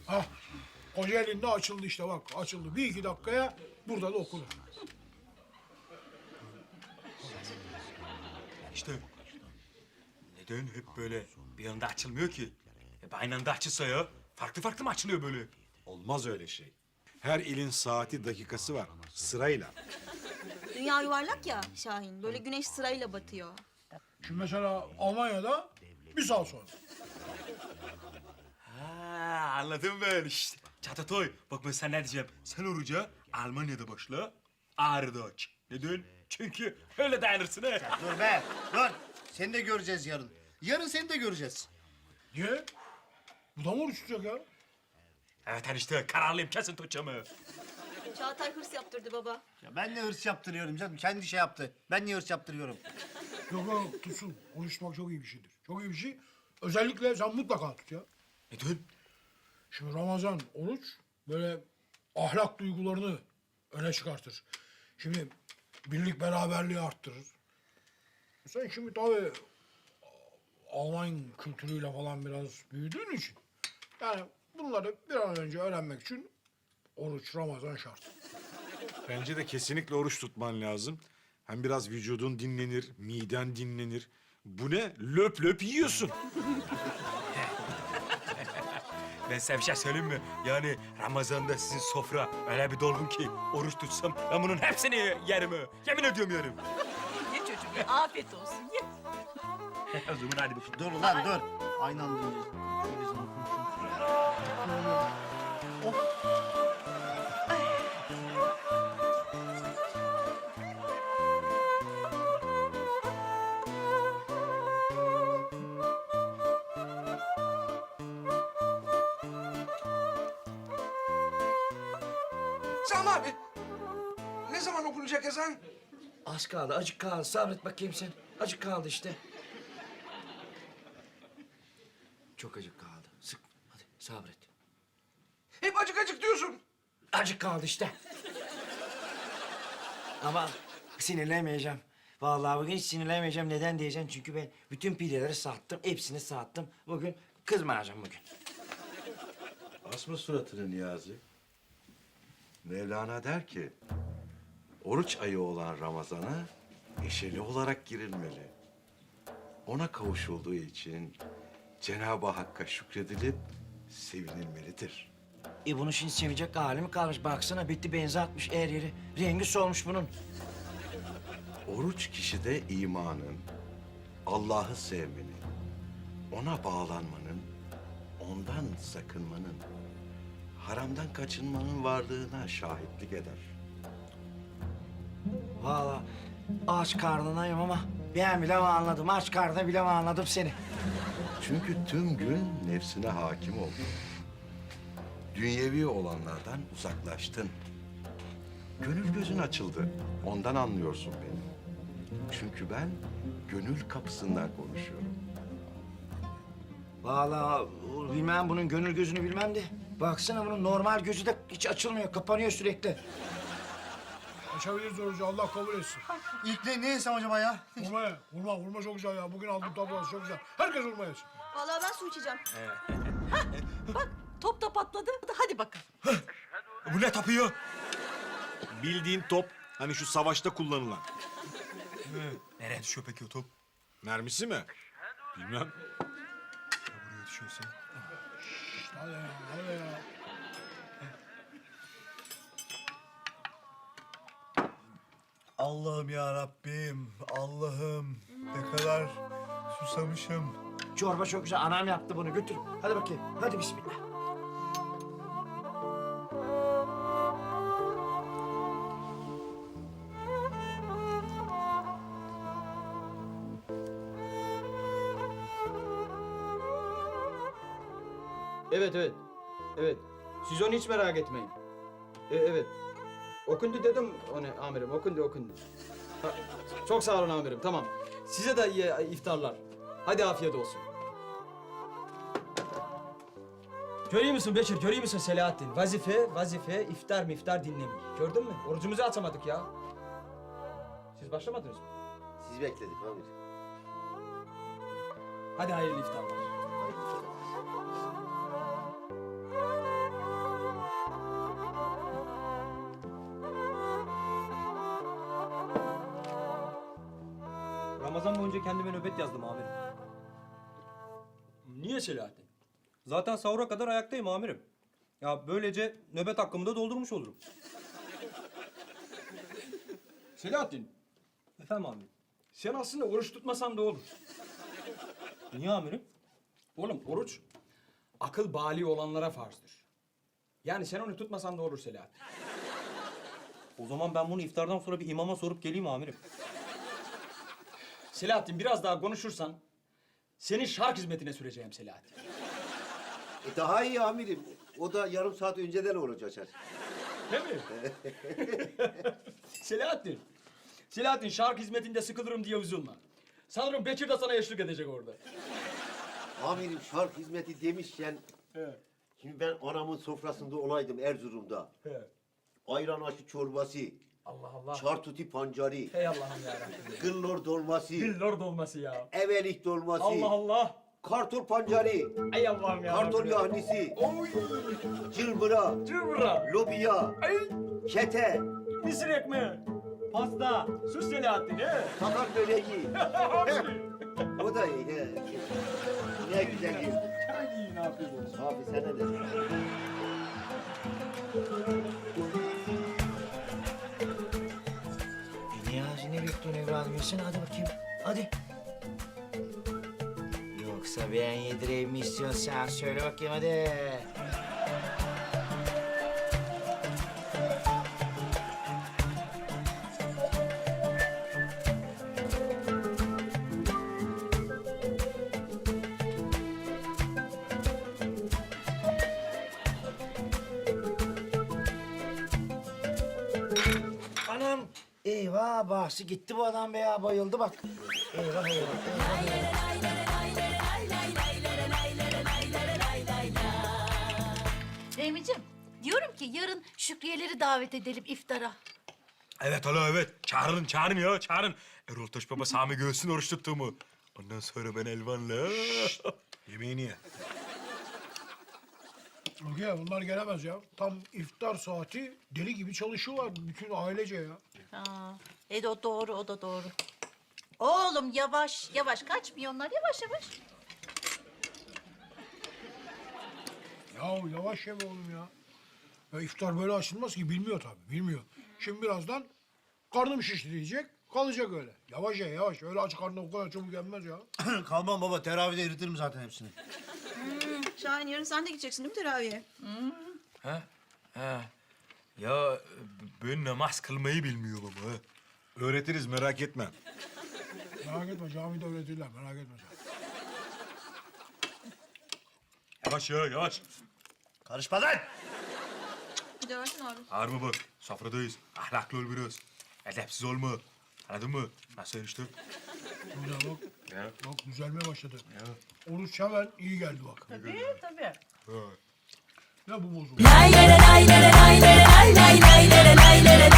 Hah, Kocaeli'nde açıldı işte bak. Açıldı. Bir iki dakikaya burada da okunur. İşte neden hep böyle bir anda açılmıyor ki? Hep aynı anda açılsa ya. Farklı farklı mı açılıyor böyle? Olmaz öyle şey. Her ilin saati, dakikası var. Sırayla. Dünya yuvarlak ya Şahin. Böyle güneş sırayla batıyor. Şimdi mesela Almanya'da bir saat sonra. Ha, anladım ben işte. Çatatoy, bak ben sana ne diyeceğim. Sen oruca Almanya'da başla, Ağrı'da aç. Neden? Çünkü öyle dayanırsın ha. Dur be, dur. Seni de göreceğiz yarın. Yarın seni de göreceğiz. Niye? Bu da mı oruç tutacak ya? Evet işte kararlıyım, kesin tutacağım ha. Çağatay hırs yaptırdı baba. Ya ben ne hırs yaptırıyorum canım? Kendi şey yaptı. Ben niye hırs yaptırıyorum? Yok yok tutsun. Oruç tutmak çok iyi bir şeydir. Çok iyi bir şey. Özellikle sen mutlaka tut ya. Neden? Şimdi Ramazan, oruç böyle ahlak duygularını öne çıkartır. Şimdi birlik beraberliği arttırır. Sen şimdi tabii Alman kültürüyle falan biraz büyüdüğün için yani bunları bir an önce öğrenmek için oruç, Ramazan şart. Bence de kesinlikle oruç tutman lazım. Hem biraz vücudun dinlenir, miden dinlenir. Bu ne? Löp löp yiyorsun. Ben size bir şey söyleyeyim mi? Yani Ramazan'da sizin sofra öyle bir dolgun ki oruç tutsam ben bunun hepsini yerim ha. Yemin ediyorum yerim. Ye çocuğum ye. Afiyet olsun ye. O zaman hadi bakalım. Dur lan dur. Aynı anda yiyeceğiz. Şöyle sana konuşayım. Sami abi, ne zaman okunacak ezan? Az kaldı, acık kaldı. Sabret bakayım sen. Acık kaldı işte. Çok acık kaldı. Sık. Hadi sabret. Hep acık acık diyorsun. Acık kaldı işte. Ama sinirlenmeyeceğim. Vallahi bugün hiç sinirlenmeyeceğim. Neden diyeceğim? Çünkü ben bütün pideleri sattım. Hepsini sattım. Bugün kızmayacağım bugün. Asma suratını Niyazi. Mevlana der ki, oruç ayı olan Ramazan'a neşeli olarak girilmeli. Ona kavuşulduğu için Cenab-ı Hakk'a şükredilip sevinilmelidir. Bunun şimdi sevecek hali mi kalmış? Baksana bitti benzi atmış her yeri. Rengi solmuş bunun. Oruç kişide imanın, Allah'ı sevmenin, ona bağlanmanın, ondan sakınmanın, haramdan kaçınmanın varlığına şahitlik eder. Vallahi aç karnınayım ama ben bile mi anladım? Aç karnına bile mi anladım seni? Çünkü tüm gün nefsine hakim oldun. Dünyevi olanlardan uzaklaştın. Gönül gözün açıldı. Ondan anlıyorsun beni. Çünkü ben gönül kapısından konuşuyorum. Vallahi bilmem bunun gönül gözünü bilmem de. Baksana bunun normal gözü de hiç açılmıyor, kapanıyor sürekli. Açabiliriz orucu, Allah kabul etsin. İlk ne yesem acaba ya? Vurma ya, vurma çok güzel ya. Bugün aldım tablası çok güzel. Herkes vurma yesin. Vallahi ben su içeceğim. Bak top da patladı. Hadi bakalım. Bu ne tapıyor? Bildiğin top, hani şu savaşta kullanılan. Nereye düşüyor peki o top? Mermisi mi? Bilmem. Buraya düşüyorsa. Hadi ya, hadi ya. Allah'ım ya Rabbim. Allah'ım. Ne kadar susamışım. Çorba çok güzel, anam yaptı bunu götür. Hadi bakayım, hadi bismillah. Evet, evet. Evet. Siz onu hiç merak etmeyin. Evet. Okundu dedim onu amirim. Okundu. Ha, çok sağ olun amirim. Tamam. Size de iyi iftarlar. Hadi afiyet olsun. Görüyor musun Beşir? Görüyor musun Selahattin? Vazife, iftar dinlemiyor. Gördün mü? Orucumuzu açamadık ya. Siz başlamadınız mı? Siz bekledik abi. Hadi hayırlı iftarlar. önce kendime nöbet yazdım amirim. Niye Selahattin? Zaten sahura kadar ayaktayım amirim. Ya böylece nöbet hakkımı da doldurmuş olurum. Selahattin, Efendim amirim. sen aslında oruç tutmasan da olur. Niye amirim? Oğlum oruç akıl bali olanlara farzdır. Yani sen onu tutmasan da olur Selahattin. O zaman ben bunu iftardan sonra bir imama sorup geleyim amirim. Selahattin biraz daha konuşursan seni şark hizmetine süreceğim Selahattin. Daha iyi amirim. O da yarım saat önceden oruç açar. Değil mi? Selahattin. Selahattin şark hizmetinde sıkılırım diye üzülme. Sanırım Bekir de sana eşlik edecek orada. Amirim şark hizmeti demişken... Şimdi ben anamın sofrasında olaydım Erzurum'da. Ayran aşı çorbası, Allah Allah. çartuti pancari, Hey Allah'ım yarabbim. gıllor dolması, Lord olması ya. evelik dolması, Allah Allah. kartol pancari, Ey Allah'ım ya. kartol yahnisi, cılbıra, Cıvıra. lobiya, Ay. kete, Mısır ekmeği. Pasta. Sus Selahattin he. sakar böreği. O da iyi. He. Ne güzel iyi. Ay ne yapıyorsun? Abi sana de. Niyazi ne bekliyorsun evladım? Yesene hadi bakayım. Hadi. Yoksa ben yedireyim mi istiyorsun sen? Söyle bakayım hadi. Anam. Eyvah bahsi gitti bu adam be ya bayıldı bak. Eyvah eyvah. Eyvah, eyvah. Fehmi'ciğim diyorum ki yarın Şükriyeleri davet edelim iftara. Evet hala evet. Çağırın ya çağırın. Erol Taş Baba Sami göğsün oruç tuttuğumu. Ondan sonra ben Elvan'la... Yemeğini ye. Rukiye bunlar gelemez ya. Tam iftar saati deli gibi çalışıyorlar bütün ailece ya. O doğru, o da doğru. Oğlum yavaş, yavaş. Kaçmıyor onlar. Yavaş yavaş. Ya yavaş yeme oğlum ya. Ya iftar böyle açılmaz ki bilmiyor tabii bilmiyor. Şimdi birazdan karnım şişti diyecek kalacak öyle. Yavaş ye yavaş öyle aç karnına o kadar çabuk yenmez ya. Kalmam baba, teravide eritirim zaten hepsini. Şahin yarın sen de gideceksin değil mi teraviye? Ha? Ya ben namaz kılmayı bilmiyorum ha. Öğretiriz merak etme. Merak etme camide öğretirler merak etme sen. Yavaş ya yavaş. Karışma lan! Bir de versin abi. Ağırma bak. Sofradayız. Ahlaklı ol biraz. Edepsiz olma. Anladın mı? Nasıl işte? Güzel bak. Ya. Bak düzelmeye başladı. Oruç hemen iyi geldi bak. Tabii tabii. Ya bu bozuldu. Lay lay lay lay lay lay lay lay lay lay lay lay lay.